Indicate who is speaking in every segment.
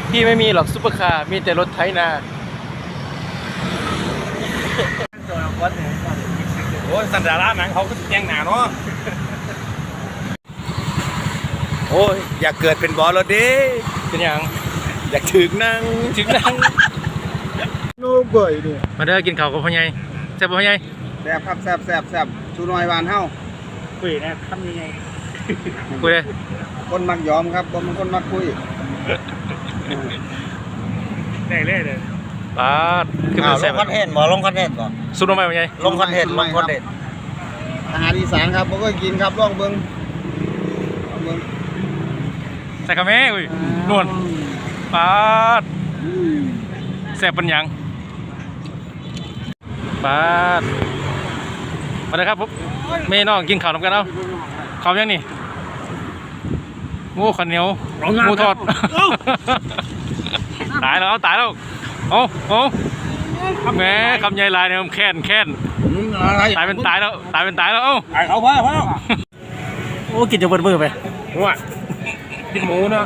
Speaker 1: พี่ไม่มีหรอกซุปเปอร์คาร์มีแต่รถไถนา
Speaker 2: โอ้ยสันดาราหนังเขาก็แย่งหนาเนาะโอ้ยอยากเกิดเป็นบอสแล้วดิ
Speaker 1: เป็นอย่าง
Speaker 2: อยากถึงนั่ง
Speaker 3: โน้เบื่อดิ
Speaker 1: มาเด้อกินข้าวกับพ่อใหญ่แซ่บพ่อใหญ่
Speaker 3: แซ่บครับแซ่บชูน้อยหวานเฮา
Speaker 4: คุยนะทำยังไง
Speaker 1: คุยเลย
Speaker 3: คนมักยอมครับบ่มันคนมักคุย
Speaker 4: ได้เลยเลย
Speaker 1: ปาดขึ้นมาแซ่บ
Speaker 4: ลงคอนเทนต์บ่ลงคอนเทนต์บ่
Speaker 1: ซุปน้ำมันพ่อใหญ่
Speaker 4: ลงคอนเทนต์
Speaker 3: อาหารอีสานครับบ่เคยกินครับลองเบิ่ง
Speaker 1: ใส่กระแม่อุ้ยนวลปาดแซ่บเป็นหยังปาดมาเลยครับผมแม่น้องกินข้าวนำกันเอาข้าวยังนี่โอ้ข้าวเหนียวหมูทอดตายแล้วตายแล้วเอาแหมคำใหญ่ลายเนี่ยมันแค้นตายเป็นตายแล้วเอ้า
Speaker 4: ไอ้เขาพ่อ
Speaker 1: โอ้กินจะเบิดมือไป
Speaker 2: ว่ากินหมูเนาะ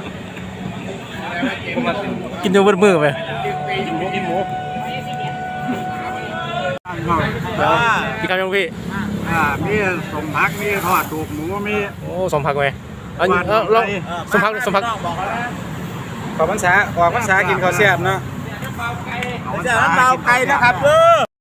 Speaker 1: กินจะเบิดมือไป
Speaker 2: กินหมู
Speaker 1: พี่คำยังพี่
Speaker 3: มีสมพักมีทอดตูกหมูมี
Speaker 1: โอ้สมพักไหมเราสมพัก
Speaker 3: ขอพรรษากินข้าวแซ่บเนาะ
Speaker 4: จะน้ำเปล่าไก่นะครับเด้อ